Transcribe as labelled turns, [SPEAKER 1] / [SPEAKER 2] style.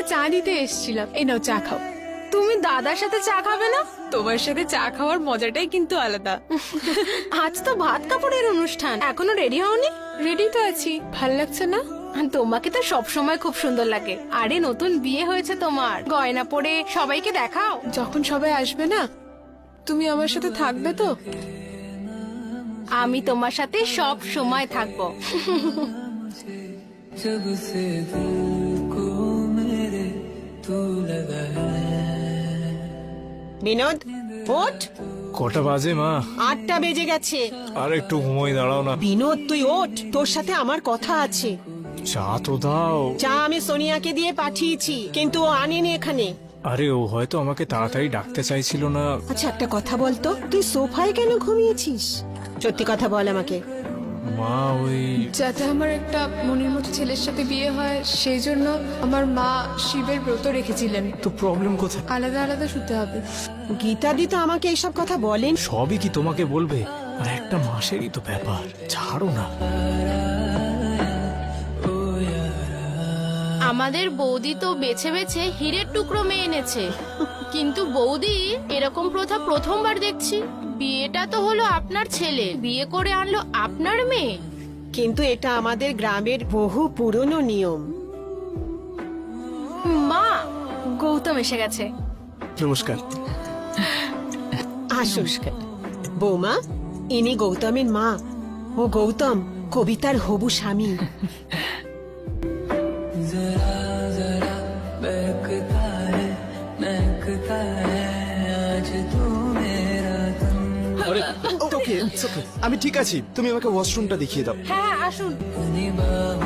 [SPEAKER 1] চা দিতে এসেছিলাম, এই নাও চা খাও।
[SPEAKER 2] তুমি দাদার সাথে চা খাবে না?
[SPEAKER 1] তোমার সাথে চা খাওয়ার মজাটাই কিন্তু আলাদা।
[SPEAKER 2] আজ তো ভাত কাপড়ের অনুষ্ঠান, এখনো রেডি হওনি?
[SPEAKER 1] রেডি তো আছি, ভাল লাগছে না?
[SPEAKER 2] তোমাকে তো সব সময় খুব সুন্দর লাগে। আরে নতুন বিয়ে হয়েছে তোমার, গয়না পরে সবাইকে দেখাও।
[SPEAKER 1] যখন সবাই আসবে না, তুমি আমার সাথে থাকবে তো?
[SPEAKER 2] আমি তোমার সাথে সব সময় থাকবো।
[SPEAKER 3] जब से दिल को मेरे तू लगा है।
[SPEAKER 4] বিনোদ, ওঠ।
[SPEAKER 5] কটা বাজে মা?
[SPEAKER 4] 8টা বেজে গেছে।
[SPEAKER 5] আর একটু ঘুমোই, দাঁড়াও না।
[SPEAKER 4] বিনোদ, তুই ওঠ, তোর সাথে আমার কথা আছে।
[SPEAKER 5] চা তো দাও।
[SPEAKER 4] চা আমি সোনিয়াকে দিয়ে পাঠিয়েছি, কিন্তু ও আনেনি এখানে।
[SPEAKER 5] আরে ও হয়তো আমাকে তাড়াতাড়ি ডাকতে চাইছিল না।
[SPEAKER 4] আচ্ছা একটা কথা বলতো, তুই সোফায় কেন ঘুমিয়েছিস? সত্যি কথা বল আমাকে।
[SPEAKER 5] মা ওই
[SPEAKER 1] যাতে আমার একটা মনের মতো ছেলের সাথে বিয়ে হয়, সেই জন্য আমার মা শিবের ব্রত রেখেছিলেন।
[SPEAKER 5] তো প্রবলেম কোথায়?
[SPEAKER 1] আলাদা আলাদা শুতে হবে।
[SPEAKER 4] গীতাদি তো আমাকে এইসব কথা বলেন।
[SPEAKER 5] সবই কি তোমাকে বলবে? আর একটা মাসেরই তো ব্যাপার, ছাড়ো না।
[SPEAKER 6] আমাদের বৌদি তো বেছে বেছে হীরের টুকরো মেয়ে এনেছে, কিন্তু বৌদি এরকম প্রথা প্রথমবার দেখছি। বিয়েটা তো হলো আপনার ছেলে, বিয়ে করে আনলো আপনার মেয়ে।
[SPEAKER 4] কিন্তু এটা আমাদের গ্রামের বহু পুরনো নিয়ম।
[SPEAKER 2] মা, গৌতম এসে গেছে।
[SPEAKER 5] নমস্কার।
[SPEAKER 4] আসুন বৌমা, ইনি গৌতমের মা। ও গৌতম কবিতার হবু স্বামী।
[SPEAKER 3] जरा जरा बहकता है महकता है आज तू मेरा तन।
[SPEAKER 7] ওকে, আমি ঠিক আছি, তুমি আমাকে ওয়াশরুমটা দেখিয়ে দাও।
[SPEAKER 2] হ্যাঁ আসুন।
[SPEAKER 3] अपनी बाहों